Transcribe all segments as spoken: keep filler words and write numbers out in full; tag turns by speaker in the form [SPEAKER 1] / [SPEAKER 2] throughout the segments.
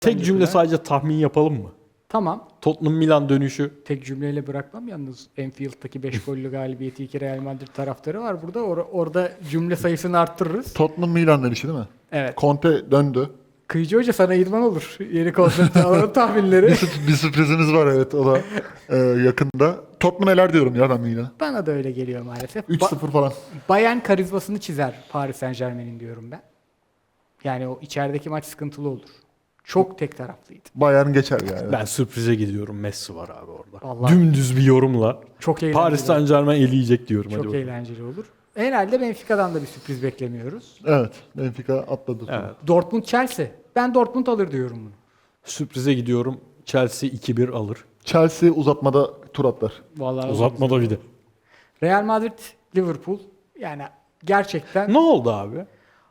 [SPEAKER 1] Tek cümle sadece tahmin yapalım mı?
[SPEAKER 2] Tamam.
[SPEAKER 1] Tottenham Milan dönüşü.
[SPEAKER 2] Tek cümleyle bırakmam yalnız. Enfield'daki beş gollü galibiyeti iki Real Madrid taraftarı var burada. Or- orada cümle sayısını arttırırız.
[SPEAKER 3] Tottenham Milan dönüşü değil mi?
[SPEAKER 2] Evet.
[SPEAKER 3] Conte döndü.
[SPEAKER 2] Kıyıcı Hoca sana idman olur. Yeni konsept alalım tahminleri.
[SPEAKER 3] Bir, sürp- bir sürprizimiz var evet o da e, yakında. Tottenham neler diyorum ya ben Milan'a.
[SPEAKER 2] Bana da öyle geliyor maalesef.
[SPEAKER 3] üç
[SPEAKER 2] Ba-
[SPEAKER 3] sıfır falan.
[SPEAKER 2] Bayern karizmasını çizer Paris Saint Germain'in diyorum ben. Yani o içerideki maç sıkıntılı olur. Çok tek taraflıydı.
[SPEAKER 3] Bayern geçer yani.
[SPEAKER 1] Ben sürprize gidiyorum. Messi var abi orada.
[SPEAKER 2] Vallahi-
[SPEAKER 1] Dümdüz bir yorumla.
[SPEAKER 2] Çok eğlenceli.
[SPEAKER 1] Paris Saint Germain eleyecek diyorum.
[SPEAKER 2] Çok
[SPEAKER 1] Hadi bakalım.
[SPEAKER 2] eğlenceli olur. Herhalde Benfica'dan da bir sürpriz beklemiyoruz.
[SPEAKER 3] Evet. Benfica atladı.
[SPEAKER 1] Evet.
[SPEAKER 2] Dortmund Chelsea. Ben Dortmund alır diyorum bunu.
[SPEAKER 1] Sürprize gidiyorum. Chelsea iki bir alır.
[SPEAKER 3] Chelsea uzatmada tur atlar.
[SPEAKER 2] Vallahi
[SPEAKER 1] Uzatmada bir de.
[SPEAKER 2] Real Madrid Liverpool. Yani gerçekten
[SPEAKER 1] Ne oldu abi?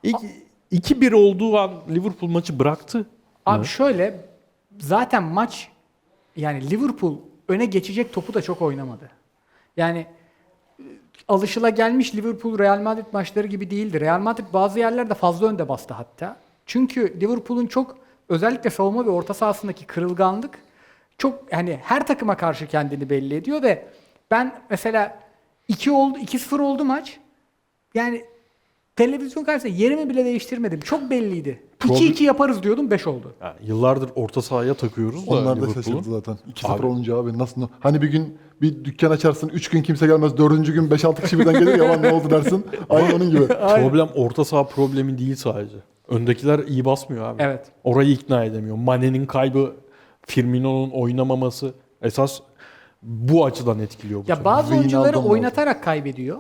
[SPEAKER 1] iki bir olduğu an Liverpool maçı bıraktı.
[SPEAKER 2] abi
[SPEAKER 1] mı?
[SPEAKER 2] şöyle zaten maç yani Liverpool öne geçecek topu da çok oynamadı. Yani e, alışılagelmiş Liverpool Real Madrid maçları gibi değildi. Real Madrid bazı yerlerde fazla önde bastı hatta. Çünkü Liverpool'un çok özellikle savunma ve orta sahasındaki kırılganlık çok hani her takıma karşı kendini belli ediyor ve ben mesela iki oldu iki sıfır oldu maç. Yani televizyon karşısında yerimi bile değiştirmedim. Çok belliydi.
[SPEAKER 1] Problem-
[SPEAKER 2] iki iki yaparız diyordum beş oldu.
[SPEAKER 1] Yani yıllardır orta sahaya takıyoruz da
[SPEAKER 3] Onlar da
[SPEAKER 1] Liverpool'u.
[SPEAKER 3] şaşırdı zaten. iki sıfır
[SPEAKER 1] Abi.
[SPEAKER 3] olunca abi nasıl? Hani bir gün bir dükkan açarsın, üç gün kimse gelmez, dördüncü gün beş altı kişi birden gelir ya lan ne oldu dersin. Aynı onun gibi.
[SPEAKER 1] Problem orta saha problemi değil sadece. Öndekiler iyi basmıyor abi.
[SPEAKER 2] Evet.
[SPEAKER 1] Orayı ikna edemiyor. Mane'nin kaybı, Firmino'nun oynamaması esas bu açıdan etkiliyor bu
[SPEAKER 2] Ya
[SPEAKER 1] sene.
[SPEAKER 2] bazı
[SPEAKER 3] Wijnaldum
[SPEAKER 2] oyuncuları
[SPEAKER 3] lazım.
[SPEAKER 2] oynatarak kaybediyor.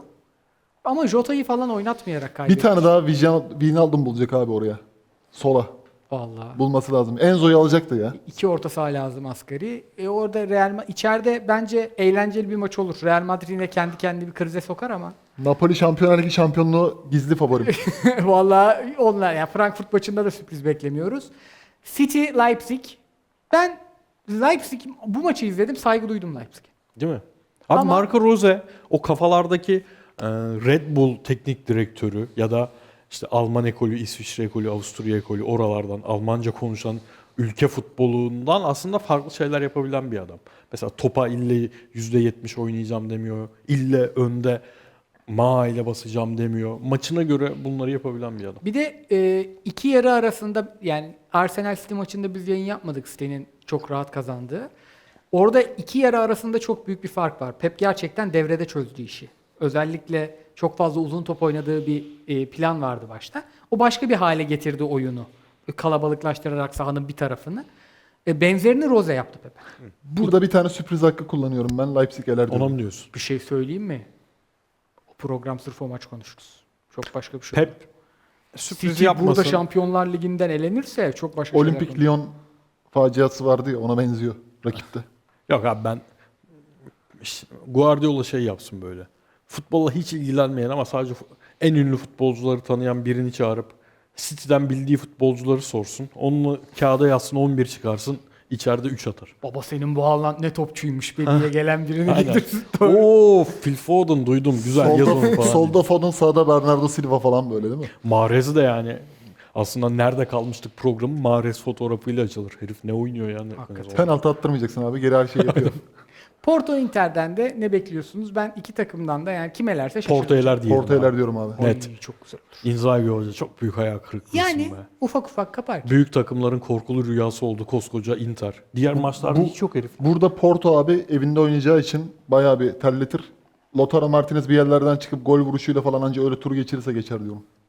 [SPEAKER 2] Ama Jota'yı falan oynatmayarak kaybediyor.
[SPEAKER 3] Bir tane daha Wijnal- Wijnaldum bulacak abi oraya. Sola.
[SPEAKER 2] Vallahi.
[SPEAKER 3] Bulması lazım. Enzo'yu alacaktı ya.
[SPEAKER 2] İki orta saha lazım asgari. E orada Real Ma- içeride bence eğlenceli bir maç olur. Real Madrid yine kendi kendini bir krize sokar ama.
[SPEAKER 3] Napoli Şampiyonlar Ligi şampiyonluğu gizli favorim.
[SPEAKER 2] Vallahi onlar yani Frankfurt maçında da sürpriz beklemiyoruz. City Leipzig. Ben Leipzig bu maçı izledim. Saygı duydum Leipzig'e.
[SPEAKER 1] Değil mi? Abi
[SPEAKER 2] Ama-
[SPEAKER 1] Marco Rose o kafalardaki e, Red Bull teknik direktörü ya da işte Alman ekolü, İsviçre ekolü, Avusturya ekolü oralardan Almanca konuşan ülke futbolundan aslında farklı şeyler yapabilen bir adam. Mesela topa ille yüzde yetmiş oynayacağım demiyor. İlle önde ma ile basacağım demiyor. Maçına göre bunları yapabilen bir adam.
[SPEAKER 2] Bir de e, iki yarı arasında yani Arsenal City maçında biz yayın yapmadık City'nin çok rahat kazandığı. Orada iki yarı arasında çok büyük bir fark var. Pep gerçekten devrede çözdü işi. Özellikle çok fazla uzun top oynadığı bir e, plan vardı başta. O başka bir hale getirdi oyunu. Kalabalıklaştırarak sahanın bir tarafını. E, benzerini Rose yaptı Pep.
[SPEAKER 3] Burada bir tane sürpriz hakkı kullanıyorum ben. Leipzig eler
[SPEAKER 1] Ona
[SPEAKER 3] diyorum.
[SPEAKER 1] mı diyorsun?
[SPEAKER 2] Bir şey söyleyeyim mi? O program sırf o maç konuşuruz. Çok başka bir şey.
[SPEAKER 1] Pep sürpriz
[SPEAKER 2] City
[SPEAKER 1] yapmasın.
[SPEAKER 2] burada Şampiyonlar Ligi'nden elenirse çok başka şeyler
[SPEAKER 3] Olimpik
[SPEAKER 2] konuşuruz.
[SPEAKER 3] Lyon faciası vardı ya ona benziyor rakipte.
[SPEAKER 1] Yok abi ben işte Guardiola şey yapsın böyle. Futbolla hiç ilgilenmeyen ama sadece fu- en ünlü futbolcuları tanıyan birini çağırıp City'den bildiği futbolcuları sorsun. Onunla kağıda yazsın on bir çıkarsın. İçeride üç atar.
[SPEAKER 2] Baba senin bu Haaland ne topçuymuş be diye gelen birini
[SPEAKER 1] Aynen.
[SPEAKER 2] getirsin.
[SPEAKER 1] Oo, Phil Foden duydum. Güzel yaz onu
[SPEAKER 3] Solda,
[SPEAKER 1] falan.
[SPEAKER 3] solda Foden, sağda Bernardo Silva falan böyle değil mi?
[SPEAKER 1] Mahrez'i de yani aslında nerede kalmıştık programı Mahrez fotoğrafıyla açılır. Herif ne oynuyor yani.
[SPEAKER 2] Hakikaten.
[SPEAKER 3] Penaltı attırmayacaksın abi. Geri her şeyi yapıyor.
[SPEAKER 2] Porto Inter'den de ne bekliyorsunuz? Ben iki takımdan da yani kim elerse şaşırırım.
[SPEAKER 1] Porto eler diyelim.
[SPEAKER 3] Porto eler
[SPEAKER 1] abi.
[SPEAKER 3] diyorum abi.
[SPEAKER 2] Oy,
[SPEAKER 1] Net.
[SPEAKER 2] çok güzel olur.
[SPEAKER 1] Inzaghi Hoca çok büyük hayal kırıklığı
[SPEAKER 2] Yani
[SPEAKER 1] be.
[SPEAKER 2] ufak ufak kapar.
[SPEAKER 1] Büyük takımların korkulu rüyası oldu koskoca Inter. Diğer maçlarda
[SPEAKER 3] bu-
[SPEAKER 1] hiç yok herif.
[SPEAKER 3] Burada Porto abi evinde oynayacağı için bayağı bir terletir. Lautaro Martinez bir yerlerden çıkıp gol vuruşuyla falan anca öyle tur geçirirse geçer diyorum.